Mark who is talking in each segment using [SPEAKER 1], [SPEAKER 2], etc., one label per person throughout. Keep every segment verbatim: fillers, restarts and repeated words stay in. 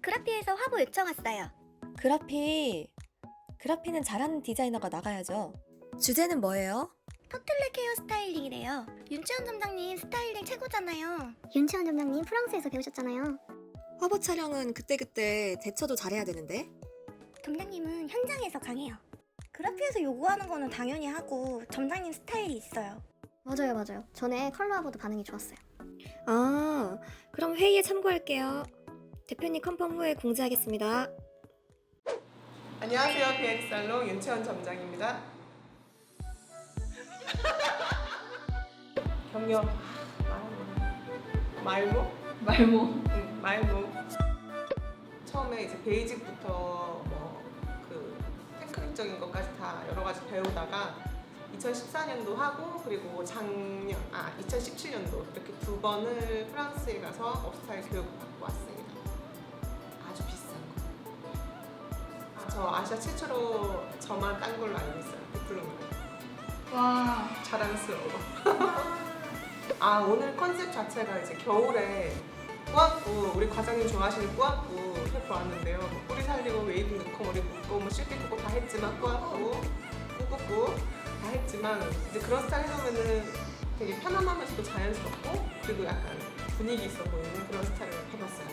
[SPEAKER 1] 그라피에서 화보 요청 왔어요.
[SPEAKER 2] 그라피... 그라피는 잘하는 디자이너가 나가야죠. 주제는 뭐예요?
[SPEAKER 1] 포틀렛 헤어 스타일링이래요. 윤채원 점장님 스타일링 최고잖아요.
[SPEAKER 3] 윤채원 점장님 프랑스에서 배우셨잖아요.
[SPEAKER 2] 화보 촬영은 그때그때 대처도 잘해야 되는데?
[SPEAKER 1] 점장님은 현장에서 강해요. 그라피에서 요구하는 거는 당연히 하고 점장님 스타일이 있어요.
[SPEAKER 3] 맞아요 맞아요. 전에 컬러 화보도 반응이 좋았어요.
[SPEAKER 2] 아, 그럼 회의에 참고할게요. 대표님 컨펌 후에 공지하겠습니다.
[SPEAKER 4] 안녕하세요. 비앤살롱 윤채원 점장입니다. 경력 말모?
[SPEAKER 5] 말모.
[SPEAKER 4] 응, 말모. 처음에 이제 베이직부터 뭐 그 테크닉적인 것까지 다 여러 가지 배우다가 이천십사 년도 하고 그리고 작년 아 이천십칠 년도 이렇게 두 번을 프랑스에 가서 업스타일 교육을 받고 왔습니다. 아주 비싼 거. 아, 저 아시아 최초로 저만 딴 걸로 알고 있어요. 디플로마.
[SPEAKER 5] 와.
[SPEAKER 4] 자랑스러워. 아 오늘 컨셉 자체가 이제 겨울에 꾸안꾸 우리 과장님 좋아하시는 꾸안꾸 해보았는데요. 뭐 뿌리 살리고 웨이브 넣고 머리 묶고 뭐 실기 꽂고 다 했지만 꾸안꾸 꾸꾸꾸 다 했지만 이제 그런 스타일 해보면은 되게 편안하면서도 자연스럽고 그리고 약간 분위기 있어 보이는 그런 스타일을 해봤어요.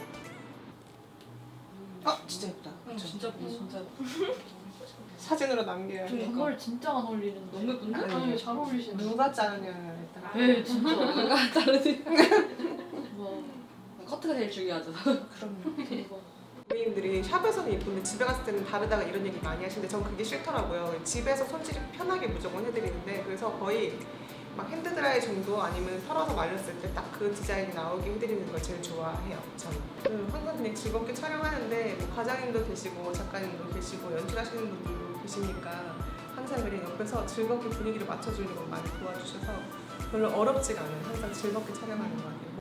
[SPEAKER 4] 아 진짜 예쁘다.
[SPEAKER 5] 응, 진짜 예쁘다, 진짜.
[SPEAKER 4] 사진으로 남겨야 돼.
[SPEAKER 5] 정말 진짜 안 어울리는. 너무 예쁜데?
[SPEAKER 4] 아니,
[SPEAKER 5] 아니, 잘 어울리시네.
[SPEAKER 4] 누가 자르냐 일단.
[SPEAKER 5] 네, 진짜. 누가 자르지? 와. 커트가 제일 중요하죠.
[SPEAKER 4] 그럼요.
[SPEAKER 5] 대박.
[SPEAKER 4] 고객님들이 샵에서는 예쁜데 집에 갔을 때는 다르다가 이런 얘기 많이 하시는데 전 그게 싫더라고요. 집에서 손질이 편하게 무조건 해드리는데 그래서 거의 막 핸드드라이 정도 아니면 털어서 말렸을 때 딱 그 디자인이 나오게 해드리는 걸 제일 좋아해요. 저는 음, 항상 그냥 즐겁게 촬영하는데 뭐 과장님도 계시고 작가님도 계시고 연출하시는 분들도 계시니까 항상 그냥 옆에서 즐겁게 분위기를 맞춰주는 걸 많이 도와주셔서 별로 어렵지가 않아요. 항상 즐겁게 촬영하는 것 같아요.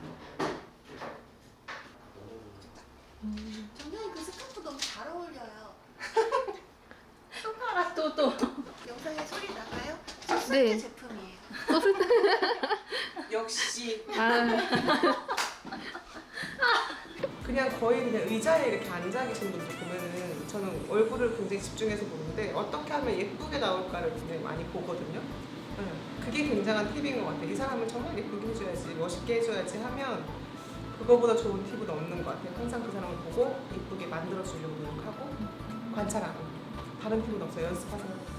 [SPEAKER 1] 점장님 그 스카프 너무 잘 어울려요.
[SPEAKER 5] 손가락 또 또.
[SPEAKER 1] 영상에 소리 나가요?
[SPEAKER 5] 네.
[SPEAKER 1] 제품이에요.
[SPEAKER 4] 역시
[SPEAKER 5] 아.
[SPEAKER 4] 그냥 거의 그냥 의자에 이렇게 앉아 계신 분들 보면은 저는 얼굴을 굉장히 집중해서 보는데 어떻게 하면 예쁘게 나올까를 굉장히 많이 보거든요. 응. 그게 굉장한 팁인 것 같아요. 이 사람을 정말 예쁘게 해줘야지, 멋있게 해줘야지 하면 그거보다 좋은 팁은 없는 것 같아요. 항상 그 사람을 보고 예쁘게 만들어주려고 노력하고 관찰하고 다른 팁은 없어요. 연습하세요.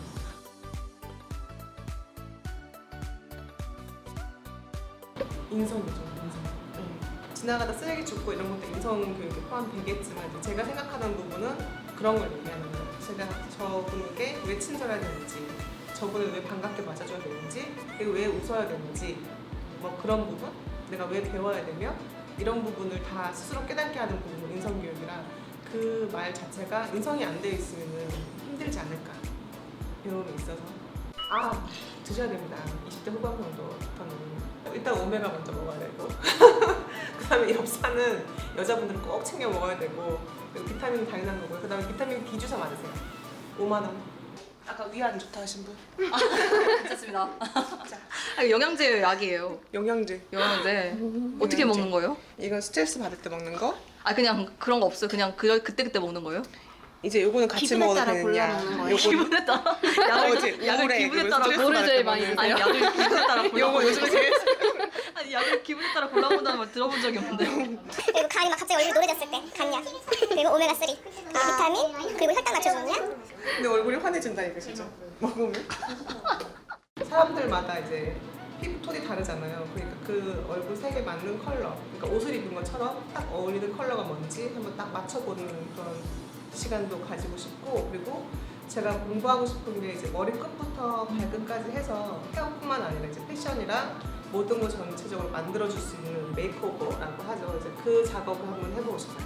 [SPEAKER 4] 인성이죠, 인성. 응. 지나가다 쓰레기 줍고 이런 것도 인성 교육에 포함되겠지만 이제 제가 생각하는 부분은 그런 걸 얘기하는 거예요. 제가 저분에게 왜 친절해야 되는지, 저분을 왜 반갑게 맞아줘야 되는지, 그리고 왜 웃어야 되는지, 뭐 그런 부분, 내가 왜 배워야 되며 이런 부분을 다 스스로 깨닫게 하는 부분은 인성 교육이라 그 말 자체가 인성이 안 돼 있으면 힘들지 않을까 배움에 있어서. 아 드셔야 됩니다. 이십 대 후반부터는 일단 오메가 먼저 먹어야 되고 그 다음에 엽산은 여자분들은 꼭 챙겨 먹어야 되고 그리고 비타민은 당연한 거고요. 그 다음에 비타민 D 주사 맞으세요. 오만 원. 아까 위 안 좋다 하신 분?
[SPEAKER 6] 괜찮습니다.
[SPEAKER 4] 자,
[SPEAKER 6] 아, 영양제 약이에요.
[SPEAKER 4] 영양제.
[SPEAKER 6] 영양제. 어떻게
[SPEAKER 4] 영양제.
[SPEAKER 6] 먹는 거예요?
[SPEAKER 4] 이건 스트레스 받을 때 먹는 거.
[SPEAKER 6] 아 그냥 그런 거 없어요. 그냥 그 그때 그때 먹는 거예요?
[SPEAKER 4] 이제 요거는 같이
[SPEAKER 1] 기분에
[SPEAKER 4] 먹어도
[SPEAKER 1] 따라
[SPEAKER 4] 되느냐.
[SPEAKER 1] 골라 먹는 거예요.
[SPEAKER 4] 요거는
[SPEAKER 6] 기분에 따라
[SPEAKER 4] 약을,
[SPEAKER 6] 약을 약을 기분에 따라
[SPEAKER 4] 스트레스
[SPEAKER 6] 고를
[SPEAKER 4] 받을
[SPEAKER 6] 제일
[SPEAKER 4] 때
[SPEAKER 6] 많이
[SPEAKER 4] 먹는
[SPEAKER 6] 아니
[SPEAKER 4] 거.
[SPEAKER 6] 약을 기분에 따라 골라.
[SPEAKER 4] 요거 요즘에 제일
[SPEAKER 6] 아니 약을 기분에 따라 골라본다는 말 들어본 적이 없는데.
[SPEAKER 3] 그리고 간이 막 갑자기 얼굴 노래졌을 때 간약 그리고 오메가 쓰리 그리고 비타민 그리고 혈당 맞춰주는 약
[SPEAKER 4] 근데 얼굴이 환해진다니까 진짜 먹으면. 사람들마다 이제 피부 톤이 다르잖아요. 그러니까 그 얼굴 색에 맞는 컬러, 그러니까 옷을 입은 것처럼 딱 어울리는 컬러가 뭔지 한번 딱 맞춰보는 그런 시간도 가지고 싶고, 그리고 제가 공부하고 싶은 게 이제 머리 끝부터 발끝까지 해서 헤어뿐만 아니라 이제 패션이랑 모든 걸 전체적으로 만들어줄 수 있는 메이크오버라고 하죠. 이제 그 작업을 한번 해보고 싶어요.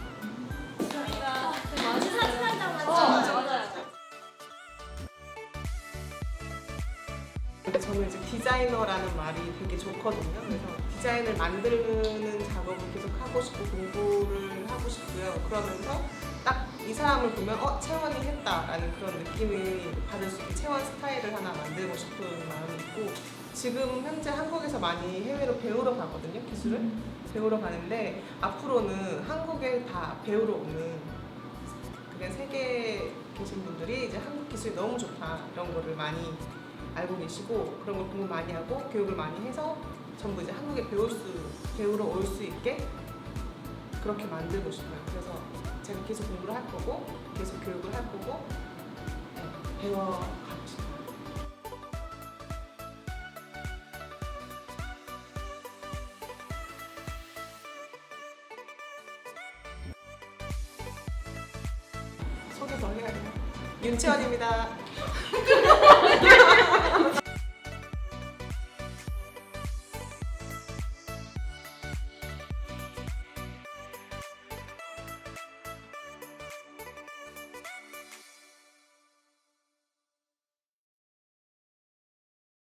[SPEAKER 4] 근데 저는 이제 디자이너라는 말이 되게 좋거든요. 그래서 디자인을 만드는 작업을 계속 하고 싶고 공부를 하고 싶고요. 그러면서 딱 이 사람을 보면 어? 채원이 했다라는 그런 느낌을 받을 수 있게 채원 스타일을 하나 만들고 싶은 마음이 있고 지금 현재 한국에서 많이 해외로 배우러 가거든요, 기술을. 배우러 가는데 앞으로는 한국에 다 배우러 오는 그게 세계에 계신 분들이 이제 한국 기술이 너무 좋다 이런 거를 많이 알고 계시고 그런 걸 공부 많이 하고 교육을 많이 해서 전부 이제 한국에 배울 수 배우러 올 수 있게 그렇게 만들고 싶어요. 그래서 제가 계속 공부를 할 거고 계속 교육을 할 거고 네, 배워가고 싶어요. 소개 더 해야 돼요. 윤채원입니다.